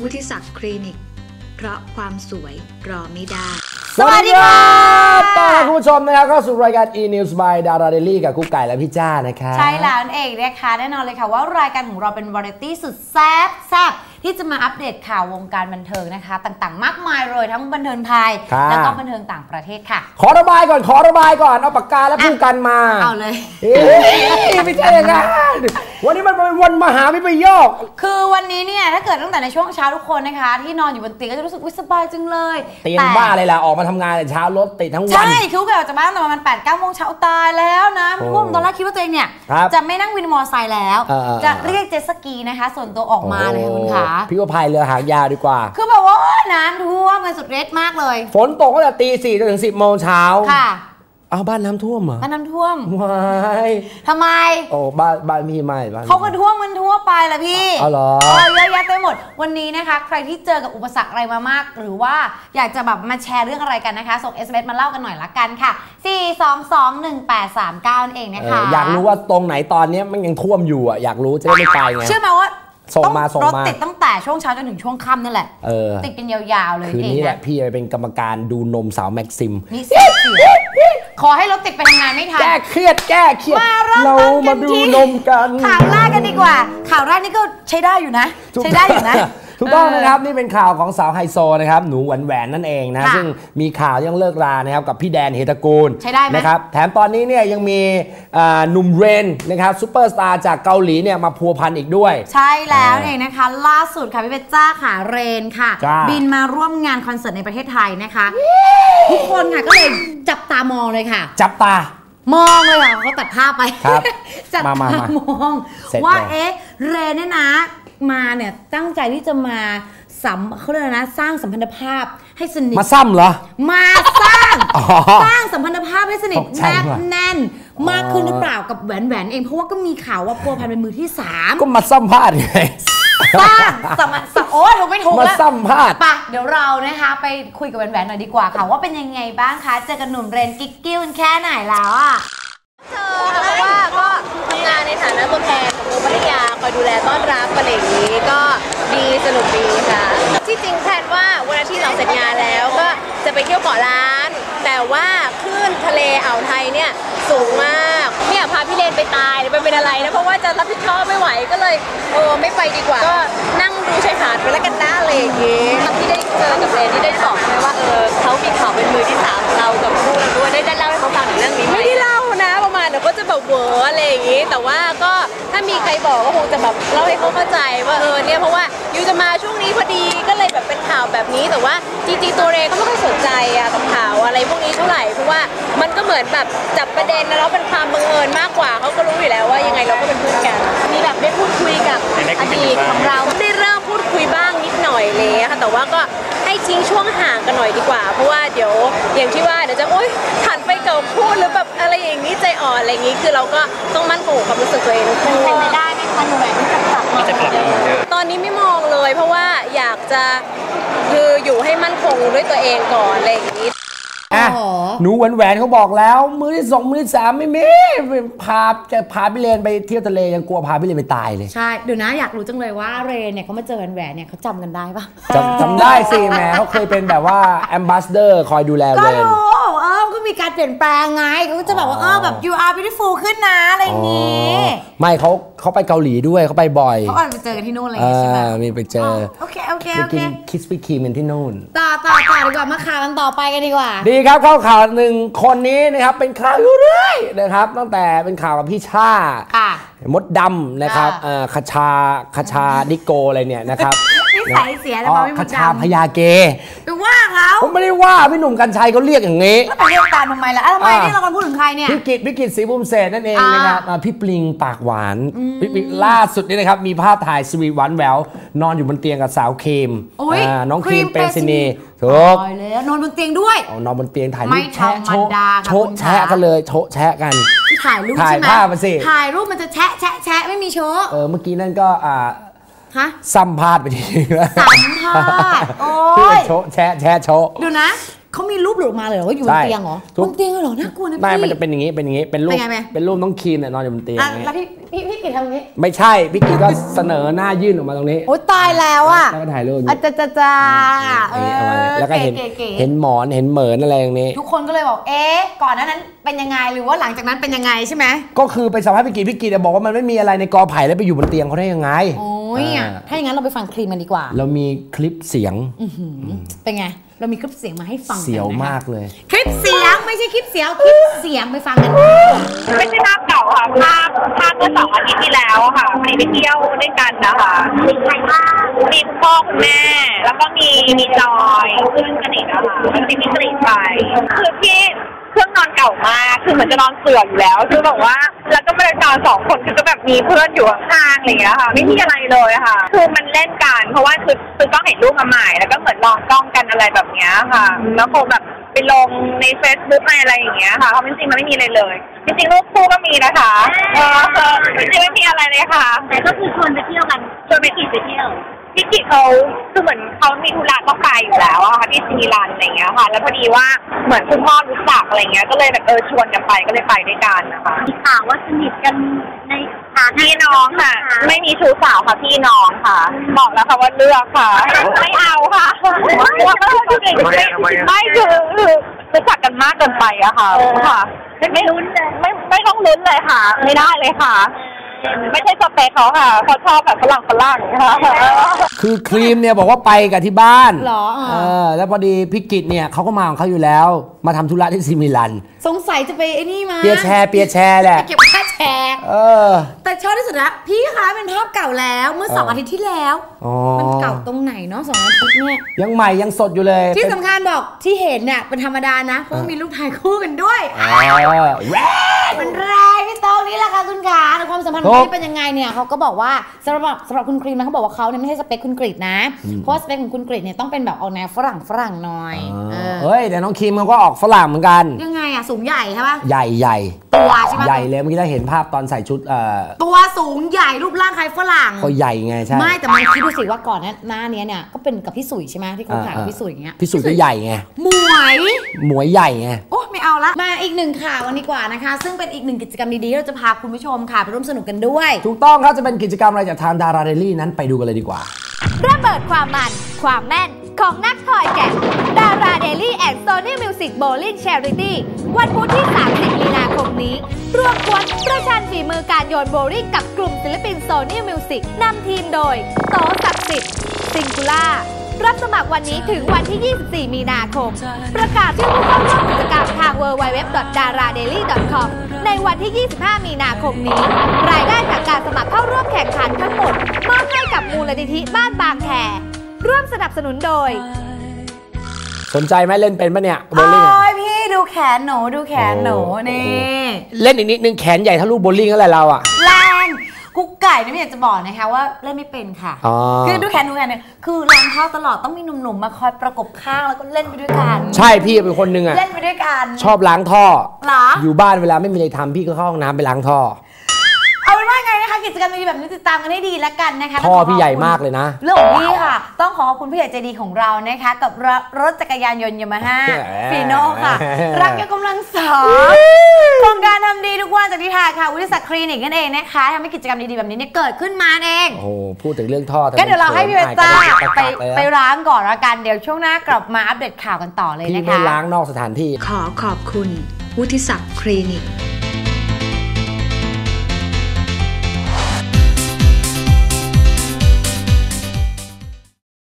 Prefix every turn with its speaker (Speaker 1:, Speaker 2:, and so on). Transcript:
Speaker 1: วุฒิศักดิ์คลินิกเพราะความสวยรอไม่ได้
Speaker 2: สวัสดีครับต้อนรับคุณผู้ชมนะครับเข้าสู่รายการ E-News by Dara Daily กับกุ๊กไก่และพี่จ้านะครับ
Speaker 3: ใช่แล้วนั่นเองนะคะแน่นอนเลยค่ะว่ารายการของเราเป็นวาไรตี้สุดแซ่บที่จะมาอัปเดตข่าววงการบันเทิงนะคะต่างๆมากมายเลยทั้งบันเทิงไทยแล้วก็บันเทิงต่างประเทศค่ะ
Speaker 2: ขอระบายก่อนเอาปากกาและผู้กันมา
Speaker 3: เอาเลย
Speaker 2: ไม่ใช่อย่างนั้นวันนี้มันเป็นวันมหาวิปโยค
Speaker 3: คือวันนี้เนี่ยถ้าเกิดตั้งแต่ในช่วงเช้าทุกคนนะคะที่นอนอยู่บนเตียงก็จะรู้สึกสบายจังเลย
Speaker 2: เตียงบ้าเลยล่ะออกมาทำงานแต่เช้ารถติดทั้งวัน
Speaker 3: ใช่คือเราจะมาตั้งแต่ประมาณ 8-9 โมงเช้าตายแล้วนะทุกคนตอนแรกคิดว่าตัวเองเนี่ยจะไม่นั่งวินมอเตอร์ไซค์แล้วจะเรียกเจ็ตสกีนะคะส่วนตัวออกมาเลยคุณขา
Speaker 2: พี่ก็พายเรือหางยาวดีกว่า
Speaker 3: คือแบบว่าน้ำท่วมกันสุดฤทธิ์มากเลย
Speaker 2: ฝนตกตั้งแต่ตี 4 จนถึง 10 โมงเช้า
Speaker 3: ค่ะ
Speaker 2: เอาบ้านน้ำท่วมเหรอ
Speaker 3: บ้านน้ำท่วม
Speaker 2: ไม่
Speaker 3: ทำไม
Speaker 2: โอ้บ้านพี่ไม่
Speaker 3: เขาก็ท่วมมันทั่วไปแหละพี่
Speaker 2: อ๋อเหรอ
Speaker 3: เยอะแยะไปหมดวันนี้นะคะใครที่เจอกับอุปสรรคอะไรมามากหรือว่าอยากจะแบบมาแชร์เรื่องอะไรกันนะคะส่ง SMS มาเล่ากันหน่อยละกันค่ะ4221839นั่นเองนะคะ
Speaker 2: อยากรู้ว่าตรงไหนตอนนี้มันยังท่วมอยู่อ่ะอยากรู้จะได้ไม่ไปไง
Speaker 3: เชื่อไหมว่า
Speaker 2: ส่งมาร
Speaker 3: ถติดตั้งแต่ช่วงเช้าจนถึงช่วงค่ำนั่นแหละติดกันยาวๆเลย
Speaker 2: คืนนี้แหละพี่เป็นกรรมการดูนมสาวแม็กซิม
Speaker 3: นี่ขอให้รถติดไปทำงานไม่ทัน
Speaker 2: แก้เครียดเรามาดูนมกัน
Speaker 3: ข่าวแรกกันดีกว่าข่าวแรกนี่ก็ใช้ได้อยู่นะ
Speaker 2: ถูกต้องนะครับนี่เป็นข่าวของสาวไฮโซนะครับหนูแหวนนั่นเองนะซึ่งมีข่าวยังเลิกรานะครับกับพี่แดนเฮตกูล
Speaker 3: ใช้ได้ไหม
Speaker 2: นะครับแถมตอนนี้เนี่ยยังมีหนุ่มเรนนะครับซูเปอร์สตาร์จากเกาหลีเนี่ยมาพัวพันอีกด้วย
Speaker 3: ใช่แล้วเองนะคะล่าสุดค่ะพี่เบจจ้าค่ะเรนค่ะบินมาร่วมงานคอนเสิร์ตในประเทศไทยนะคะทุกคนค่ะก็เลยจับตามองเลยค่ะ
Speaker 2: จับตาม
Speaker 3: องเลยค่ะเขาตัดภาพไปจับตามองว่าเรนเนี่ยนะมาเนี่ยตั้งใจที่จะมาเขาเรียกนะสร้างสัมพันธภาพให้สนิท
Speaker 2: มาซ้ำเหรอ
Speaker 3: มาสร้างสัมพันธภาพให้สนิทแนบแน่นมากขึ้นหรือเปล่ากับแหวนเองเพราะว่าก็มีข่าวว่าพัวพันเป็นมือที่3
Speaker 2: ก็มาซ้ำพลาดไง
Speaker 3: สร้างโอ้ยถูกไม่ถูกแล้ว
Speaker 2: มาซ้ำพลาด
Speaker 3: ปะเดี๋ยวเรานะคะไปคุยกับแหวนหน่อยดีกว่าค่ะว่าเป็นยังไงบ้างคะเจอกับหนุ่มเรนกิ๊กกิ้วแค่ไหนแล้วอ่ะ
Speaker 4: เพราะว่าก็ทำงานในฐานะตัวแทนของวงภริยาคอยดูแลต้อนรับอะไรอย่างนี้ก็ดีสนุกดีค่ะที่จริงแพลนว่าวันอาทิตย์เราเสร็จงานแล้วก็จะไปเที่ยวเกาะล้านแต่ว่าคลื่นทะเลอ่าวไทยเนี่ยสูงมากไม่อยากพาพี่เลนไปตายหรือไปเป็นอะไรนะเพราะว่าจะรับผิดชอบไม่ไหวก็เลยไม่ไปดีกว่าก็นั่งดูชายหาดไปแล้วกันนะอะไรอย่างนี้ที่ได้เจอกับเลนที่ได้บอกไหมว่าเขามีข่าวเป็นมือที่3เรากับคู่เราด้วยได้เล่าให้เขาฟังถึงเรื่องนี้ไหมไม่ได้เล่านะประมาณเดี๋ยวก็จะแบบเวอร์อะไรอย่างนี้แต่ว่าก็ถ้ามีใครบอกก็คงจะแบบเล่าให้เขาเข้าใจว่าเนี่ยเพราะว่ายูจะมาช่วงนี้พอดีก็เลยแบบเป็นข่าวแบบนี้แต่ว่าจริงๆตัวเรก็ไม่ค่อยสนใจกับข่าวอะไรพวกนี้เท่าไหร่เพราะว่ามันก็เหมือนแบบจับประเด็นแล้วเป็นความบังเอิญมากกว่าเขาก็รู้อยู่แล้วว่ายังไงเราก็เป็นเพื่อนกันมีแบบได้พูดคุยกับอดีตของเราได้เริ่มพูดคุยบ้างนิดหน่อยเลยค่ะแต่ว่าก็ให้ทิ้งช่วงห่างกันหน่อยดีกว่าเพราะว่าเดี๋ยวอย่างที่ว่าเดี๋ยวจะหันไปเก่าพูดหรือแบบอะไรอย่างนี้ใจอ่อนอะไรอย่างนี้คือเราก็ต้องมั่นคงกับความรู้สึกตัวเองทุกคน
Speaker 3: เป็นไปได้ไหมคะหนูแหวนที่จะกลับมา
Speaker 4: ตอนนี้ไม่มองเลยเพราะว่าอยากจะคืออยู่ให้มั่นคงด้วยตัวเองก่อนอะไรอย่างนี้
Speaker 2: หนูแหวนเขาบอกแล้วมือที่2มือที่3ไม่มีพาพี่เลนไปเที่ยวทะเลยังกลัวพาพี่เลนไปตายเลย
Speaker 3: ใช่เดี๋ยวนะอยากรู้จังเลยว่าเรนเนี่ยเขามาเจอแหวนเนี่ยเขาจำกันได้ปะ
Speaker 2: จำได้สิแม่เขาเคยเป็นแบบว่าแอมบาสเดอร์คอยดูแลเรน
Speaker 3: ก็มีการเปลี่ยนแปลงไงเขาก็จะแบบว่าแบบ you are beautiful ขึ้นนะอะไรอย่างงี้
Speaker 2: ไม่เขาไปเกาหลีด้วยเขาไปบ่อย
Speaker 3: เขาอาจไปเจอกันที่นู่นอะไรอย่างงี้ใช่ไหม
Speaker 2: มีไปเจอ
Speaker 3: โอเค
Speaker 2: ไปกินคิสปี้ครีมกันที่นู่น
Speaker 3: ต่อดีกว่ามาข่าวกันต่อไปกันดีกว่า
Speaker 2: ดีครับเข้าข่าว1คนนี้นะครับเป็นข่าวเรื่อยๆนะครับตั้งแต่เป็นข่าวกับพี่ชามดดำนะครับคชาดิโกอะไรเนี่ยนะครับ
Speaker 3: นิสัยเสียแล้วไม่
Speaker 2: คชาพยาเก
Speaker 3: ไปว่าเขา
Speaker 2: ผมไม่ได้ว่าพี่หนุ่มกัญชัยเขาเรียกอย่างนี้
Speaker 3: แล้วไปเรียกตามทำไมล่ะทำไมนี่เรากำลังพูดถึงใครเนี่ย
Speaker 2: พี่กิตศรีภูมิเศษนั่นเองนะครับพี่ปลิงปากหวานล่าสุดนี่นะครับมีภาพถ่ายสวีทหวานแหววนอนอยู่บนเตียงกับสาวเคมน้องเคมเปรซินีถูก
Speaker 3: แล้วนอนบนเตียงด้วย
Speaker 2: นอนบนเตียงถ่ายรูปแชะโชะแชะกันเลยโชะแชะกัน
Speaker 3: ถ่ายรูปใช่ไหม
Speaker 2: ถ่ายภาพมาสิ
Speaker 3: ถ่ายรูปมันจะแชะไม่มีโชะ
Speaker 2: เมื่อกี้นั่นก็สัมภาษณ์ไปที
Speaker 3: สัมภาษณ์โอ้ย
Speaker 2: โชะแชะโชะ
Speaker 3: ดูนะเขามีรูปหลุดออกมาเลยเหรอว่าอยู่บนเตียงเหรอบนเตียงเหรอน่ากลัวนะพี่
Speaker 2: ไม่มันจะเป็นอย่างนี้เป็นรูปน้องครีมเนี่ยนอนอยู่บนเตียง
Speaker 3: แล้วพี่กิตทำอย่างนี้
Speaker 2: ไม่ใช่พี่กิตก็เสนอหน้ายื่นออกมาตรงนี้
Speaker 3: โอ้ตายแล้วอ่ะ
Speaker 2: แล้วก็ถ่ายรูป
Speaker 3: จ้า
Speaker 2: แล้วก็เห็นหมอนเห็นเหมือนอะไรอย่างนี้
Speaker 3: ทุกคนก็เลยบอกก่อนนั้นเป็นยังไงหรือว่าหลังจากนั้นเป็นยังไงใช่ไหม
Speaker 2: ก็คือไปสัมภาษณ์พี่กิตบอกว่ามันไม่มีอะไรในกอไผ่แล้วไปอยู่บนเตียงเขาได้ยังไง
Speaker 3: โอ้ยถ้าอย่างนั้นเราไปฟังครีมกันดีกว่า
Speaker 2: เรามีคลิปเสียง
Speaker 3: เป็นไงเรามีคลิปเสียงมาให้ฟัง
Speaker 2: เสียวมากเลย
Speaker 3: คลิปเสียงไม่ใช่คลิปเสียงคลิปเสียงไปฟังกัน
Speaker 5: ไม่ใช่ภาพเก่าค่ะภาพเมื่อ2 อาทิตย์ที่แล้วค่ะไปเที่ยวด้วยกันนะคะมีใครบ้างมีคุณพ่อคุณแม่แล้วก็มีจอยเพื่อนสนิทนะคะแล้วมีพี่กรีฑไปคือพี่เครื่องนอนเก่ามากคือเหมือนจะนอนเสื่อมอยู่แล้วคือแบบว่าแล้วก็ไม่ได้นอน2 คนคือก็แบบมีเพื่อนอยู่ข้างๆอะไรอย่างเงี้ยค่ะไม่มีอะไรเลยค่ะคือมันเล่นกันเพราะว่าคือต้องเห็นรูปมาใหม่แล้วก็เหมือนลองกล้องกันอะไรแบบเนี้ยค่ะแล้วคงแบบไปลงใน Facebook ในอะไรอย่างเงี้ยค่ะเพราะจริงๆมันไม่มีอะไรเลยจริงๆรูปคู่ก็มีนะคะจริงๆไม่มีอะไรเลยค่ะ
Speaker 4: แต่ก็คือชวนไปเที่ยวกัน
Speaker 5: ชวนไปกินไปเที่ยวพี่กิจเขาคือเหมือนเขามีธุระต้องไปอยู่แล้วอะค่ะที่ซีมิลันอะไรเงี้ยค่ะแล้วพอดีว่าเหมือนคุณพ่อรู้จักอะไรเงี้ยก็เลยแบบชวนกันไปก็เลยไปด้วยกันนะคะ
Speaker 4: มีข่าวว่าสนิทกันในฐานะ
Speaker 5: พี่น้องค่ะไม่มีชู้สาวค่ะพี่น้องค่ะบอกแล้วค่ะว่าเลือกค่ะไม่เอาค่ะไม่คือรู้จักกันมากเกินไปอะค่ะ
Speaker 4: ไม่ลุ้นเลย
Speaker 5: ไม่ต้องลุ้นเลยค่ะไม่ได้เลยค่ะไม่ใช่สเปคเขาค่ะเขาชอบแบบฝรั่งค่ะ
Speaker 2: คือครีมเนี่ยบอกว่าไปกับที่บ้าน
Speaker 3: หรอ
Speaker 2: แล้วพอดีพี่กิตเนี่ยเขาก็มาของเขาอยู่แล้วมาทำธุระที่ซีมิลัน
Speaker 3: สงสัยจะไปไอ้นี่มา
Speaker 2: เปียแชร์แหละ
Speaker 3: เก็บค่าแชร์แต่ชอบที่สุดนะพี่คะเป็นภาพเก่าแล้วเมื่อ2 อาทิตย์ที่แล้วมันเก่าตรงไหนเนาะ2 อาทิตย์เนี่ย
Speaker 2: ยังใหม่ยังสดอยู่เลย
Speaker 3: ที่สำคัญบอกที่เห็นเนี่ยเป็นธรรมดานะเพราะมีรูปถ่ายคู่กันด้วยมันแรงพี่โต้นี่แหละค่ะคุณขาในความสัมพันธ์ของพี่เป็นยังไงเนี่ยเขาก็บอกว่าสำหรับคุณครีมนะเขาบอกว่าเขาเนี่ยไม่ใช่สเปคคุณกรีฑนะเพราะสเปคของคุณกรีฑเนี่ยต้องเป็นแบบออกแนวฝรั่งหน่อย
Speaker 2: เฮ้ยแต่น้องครีมเขาก็ออกฝรั่งเหมือนกัน
Speaker 3: ยังไงอะสูงใหญ่ใช่ปะ
Speaker 2: ใหญ่
Speaker 3: ตัวใช่ปะ
Speaker 2: ใหญ่เลยเมื่อกี้เราเห็นภาพตอนใส่ชุด
Speaker 3: ตัวสูงใหญ่รูปร่างคล้ายฝรั่ง
Speaker 2: ก็ใหญ่ไงใช่
Speaker 3: ไม่แต่มันคิดดูสิว่าก่อนหน้านี้เนี่ยก็เป็นกับพี่สุยใช่ไหมที่เขาถ่ายกับพี่สุยอย่างเงี้ย
Speaker 2: พี่สุยก็ใหญ่ไงหมวยใหญ่ไง
Speaker 3: โอ้ไม่เอาละมาอีก1 ข่าววันนี้กว่านะคะซึ่งเป็นอีก1 กิจกรรมดีๆเราจะพาคุณผู้ชมค่ะไปร่วมสนุกกันด้วย
Speaker 2: ถูกต้องครับจะเป็นกิจกรรมอะไรจากทางดาราเดลี่นั้นไปดูกันเลยดีกว่า
Speaker 6: ระเบิดความมันความแม่นของนักทอยแกะดาราเดลี่แอนด์โซนี่มิวสิกโบลิ่งแชริตี้วันพุธที่30 มีนาคมนี้รวมกวนประชันฝีมือการโยนโบลิ่งกับกลุ่มศิลปินโซนี่มิวสิกนำทีมโดยโตศักดิ์สิทธิ์ซิงคูล่ารับสมัครวันนี้ถึงวันที่ 24 มีนาคมประกาศชื่อผู้เข้าร่วมกิจกรรมทาง www.daradaily.com ในวันที่ 25 มีนาคมนี้รายได้จากการสมัครเข้าร่วมแข่งขันทั้งหมดมอบให้กับมูลนิธิบ้านบางแคร่วมสนับสนุนโดย
Speaker 2: สนใจไหมเล่นเป็นปะเนี่ย
Speaker 3: โบลิ่งพี่ดูแขนหนูนี่
Speaker 2: เล่นอีกนิดนึงแขนใหญ่เท่าลูกโบลิ่งอะไรเราอะ
Speaker 3: แรงกุ๊กไก่ไม่อยากจะบอกนะคะว่าเล่นไม่เป็นค่ะคือดูแขนเนี่ยคือล้างเท้าตลอดต้องมีหนุ่มๆมาคอยประกบข้างแล้วก็เล่นไปด้วยกัน
Speaker 2: ใช่พี่เป็นคนนึงอะ
Speaker 3: เล่นไปด้วยกัน
Speaker 2: ชอบล้างท่ออยู่บ้านเวลาไม่มีอะไรทำพี่ก็เข้าห้องน้ำไปล้างท่อ
Speaker 3: เอาเป็นว่าไงนะคะกิจกรรมดีๆแบบนี้ติดตามกันให้ดีแล้วกันนะคะ
Speaker 2: ท่อพี่ใหญ่มากเลยนะ
Speaker 3: เรื่องของพี่ค่ะต้องขอบคุณพี่ใหญ่ใจดีของเรานะคะกับรถจักรยานยนต์ยามาฮ่าฟีโน่ค่ะรักยกกำลังสองโครงการทำดีทุกวันจากนิทาค่ะวิทยาศักดิ์คลินิกนั่นเองนะคะทำให้กิจกรรมดีๆแบบนี้เนี่ยเกิดขึ้นมาเอง
Speaker 2: โอ้พูดถึงเรื่องท่อ
Speaker 3: ก็เดี๋ยวเราให้พี่เบต้าไปล้างก่อนละกันเดี๋ยวช่วงหน้ากลับมาอัปเดตข่าวกันต่อเลยนะคะ
Speaker 2: พี่ไม่ล้างนอกสถานที่
Speaker 1: ขอขอบคุณวุฒิศักดิ์คลินิก